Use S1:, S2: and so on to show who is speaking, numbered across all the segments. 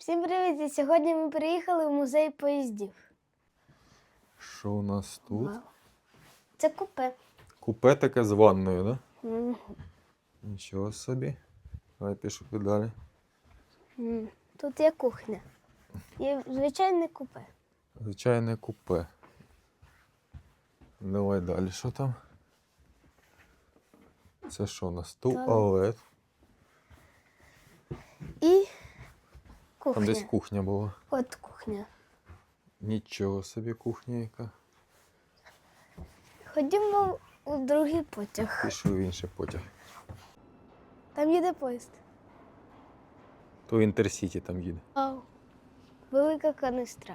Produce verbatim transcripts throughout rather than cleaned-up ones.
S1: Всім привіт! І сьогодні ми приїхали в музей поїздів.
S2: Що у нас тут?
S1: Вау. Це купе.
S2: Купе таке з ванною, так? Да?
S1: Мгм.
S2: Нічого собі. Давай пішли далі.
S1: М. Тут є кухня. Є звичайне купе.
S2: Звичайне купе. Давай далі, що там? Це що у нас? Туалет.
S1: І кухня.
S2: Там десь кухня була.
S1: От кухня.
S2: Нічого собі кухня яка.
S1: Ходімо у другий потяг.
S2: Пішли в інший потяг.
S1: Там їде поїзд.
S2: То Інтерсіті там їде.
S1: Вау. Велика канистра.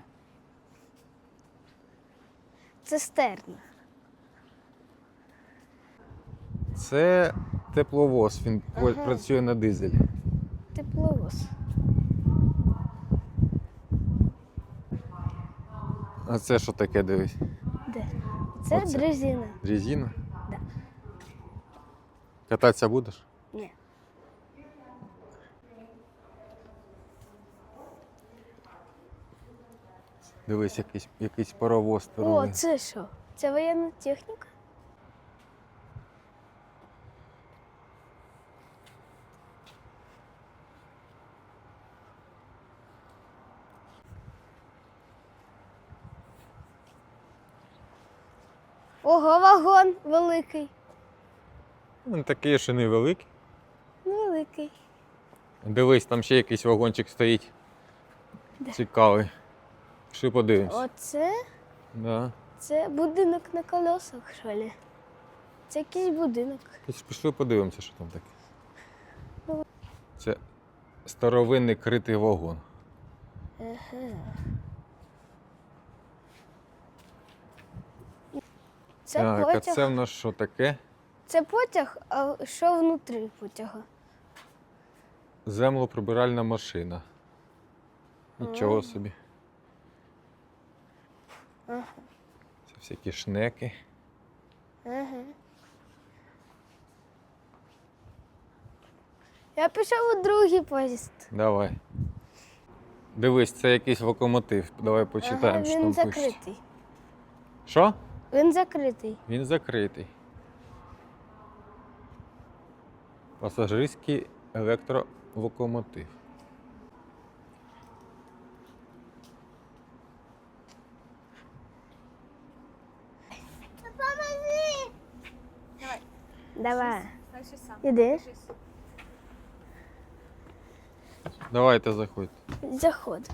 S1: Цистерна.
S2: Це тепловоз, він
S1: Ага.
S2: працює на дизелі.
S1: Тепловоз.
S2: А це що таке, дивись?
S1: Де? Це
S2: Оце.
S1: дрезина.
S2: Резина?
S1: Да.
S2: Кататися будеш?
S1: Ні.
S2: Дивись, якийсь, якийсь паровоз
S1: О,
S2: старовий.
S1: це що? Це воєнна техніка? Ого, вагон великий.
S2: Він такий, що невеликий.
S1: Великий.
S2: Дивись, там ще якийсь вагончик стоїть.
S1: Де?
S2: Цікавий. Пішли подивимось.
S1: Оце?
S2: Да.
S1: Це будинок на колесах, що ли? Це якийсь будинок.
S2: Піш- Пішли подивимося, що там таке. Це старовинний критий вагон.
S1: Ага. Це
S2: Так, а
S1: потяг.
S2: це в нас що таке?
S1: Це потяг, а що внутрі потяга?
S2: Землеприбиральна машина. Нічого
S1: А.
S2: собі.
S1: Ага.
S2: Це всякі шнеки.
S1: Ага. Я пішов у другий поїзд.
S2: Давай. Дивись, це якийсь локомотив. Давай почитаємо,
S1: Ага,
S2: що
S1: він
S2: там пише.
S1: закритий.
S2: Що?
S1: Він закритий.
S2: Він закритий. Пасажирський електролокомотив.
S1: Давай.
S3: Дальше сам.
S1: Ідеш?
S3: Держись.
S2: Давайте заходьте.
S1: Заход.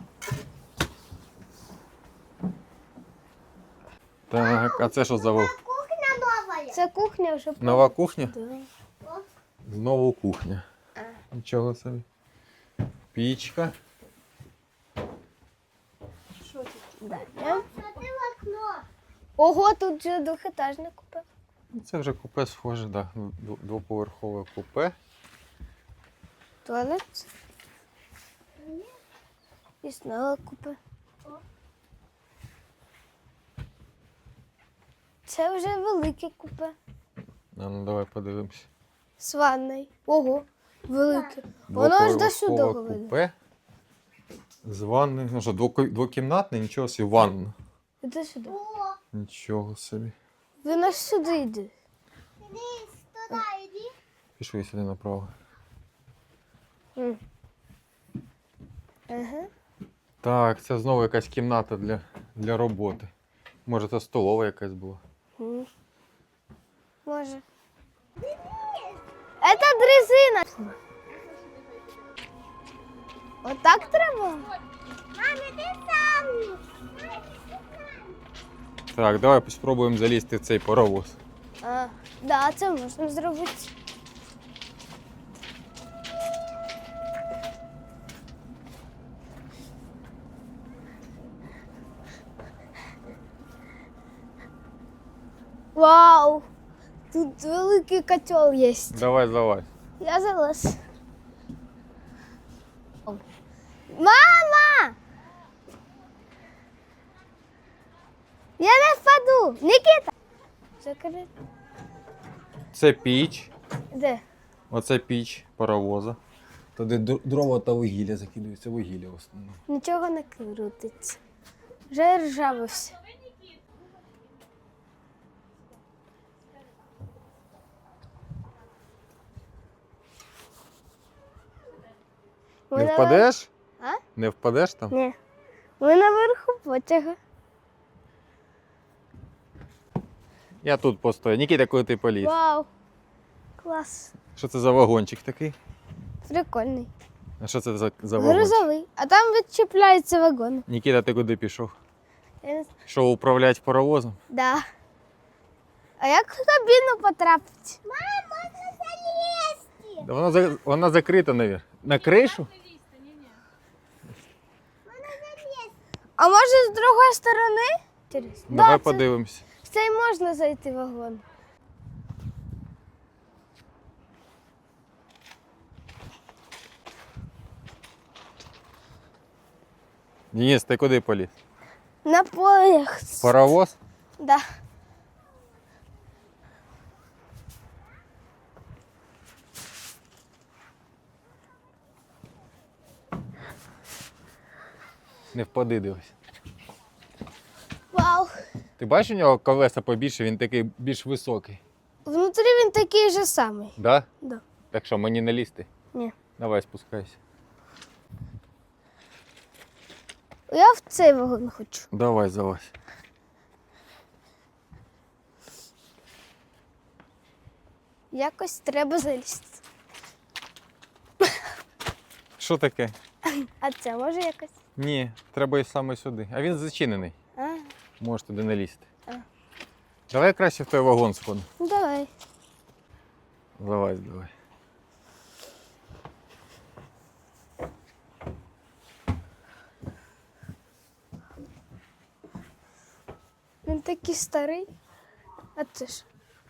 S2: Так, а це що за вол-
S1: Це кухня вже.
S2: нова кухня?
S1: Да.
S2: Знову кухня.
S1: А.
S2: Нічого собі. Пічка.
S3: Що тут?
S1: Да. Ого, тут же двохетажне купе.
S2: Ну, це вже купе схоже, так. Да. Дв- Двоповерхове купе.
S1: Туалет. І знову купе. Це вже велике купе.
S2: А ну давай подивимось.
S1: З ванною. Ого, велике. Воно аж до сюди
S2: Двоповерхове
S1: веде.
S2: купе. З ванною. Ну що, двоко- двокімнатне, нічого собі, ванна.
S1: Іди сюди.
S2: Нічого собі.
S1: Він аж сюди йде.
S2: Пішли сюди направо.
S1: М. Ага.
S2: Так, це знову якась кімната для, для роботи. Може, це столова якась була.
S1: М. Може. Это дрезина. Отак треба?
S2: Так, давай спробуємо залізти в цей паровоз.
S1: А, да, це можна зробити. Вау! Тут великий котел є.
S2: Давай, давай.
S1: Я залез. Мама! Я не впаду! Нікіта! Закрити.
S2: Це піч.
S1: Де?
S2: Оце піч паровоза. Туди д- дрова та вугілля закидується, вугілля в основному.
S1: Нічого не крутиться. Вже ржавився. Ми
S2: Не
S1: навер-
S2: впадеш?
S1: А?
S2: Не впадеш там?
S1: Ні. Ми наверху потяга.
S2: Я тут постою. Нікіта, коли ти поліз.
S1: Вау. Клас.
S2: Що це за вагончик такий?
S1: Прикольний.
S2: А що це за, за вагончик?
S1: Грузовий. А там відчіпляється вагон.
S2: Нікіта, ти куди пішов?
S1: Я не знаю.
S2: Що, управляти паровозом?
S1: Да. А як в кабіну потрапити? Мама, можна залізти.
S2: Да вона, за- вона закрита, навіть. На кришу?
S1: А може з другої сторони? Інтересно.
S2: Давай
S1: це-
S2: подивимось.
S1: В цей можна зайти в вагон.
S2: Денис, ти куди поліз?
S1: На полях.
S2: Паровоз?
S1: Да.
S2: Не впади, дивись.
S1: Вау.
S2: Ти бачиш, у нього колеса побільше, він такий більш високий.
S1: Внутрі він такий же самий.
S2: Да?
S1: Да.
S2: Так що, мені не лізти?
S1: Ні.
S2: Давай спускайся.
S1: Я в цей вагон хочу.
S2: Давай, залазь.
S1: Якось треба залізти.
S2: Що таке?
S1: А це може якось?
S2: Ні, треба і саме сюди. А він зачинений.
S1: А,
S2: Можеш туди не лізти.
S1: А.
S2: Давай краще в той вагон сходимо.
S1: ну давай.
S2: Залазь, давай.
S1: Він такий старий. А це ж.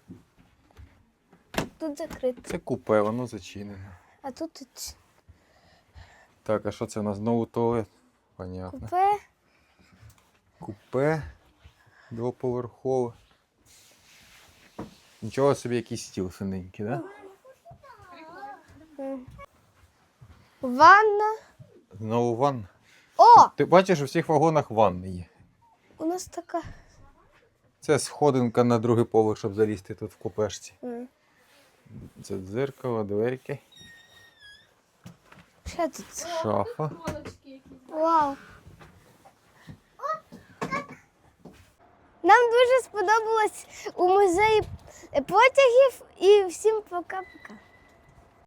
S1: Тут закрито.
S2: Це купе, воно зачинене.
S1: А тут і ц-
S2: Так, а що це у нас? Знову туалет? Понятно.
S1: купе.
S2: Купе двоповерхове. Нічого собі, якийсь стіл синенький, да?
S1: М. Ванна.
S2: Знову ванна.
S1: О!
S2: Ти бачиш, у всіх вагонах ванни є.
S1: У нас така.
S2: Це сходинка на другий поверх, щоб залізти тут в купешці.
S1: М.
S2: Це дзеркало, дверки,
S1: Що тут?
S2: шафа.
S1: Вау. Нам дуже сподобалось у музеї потягів і всім пока-пока.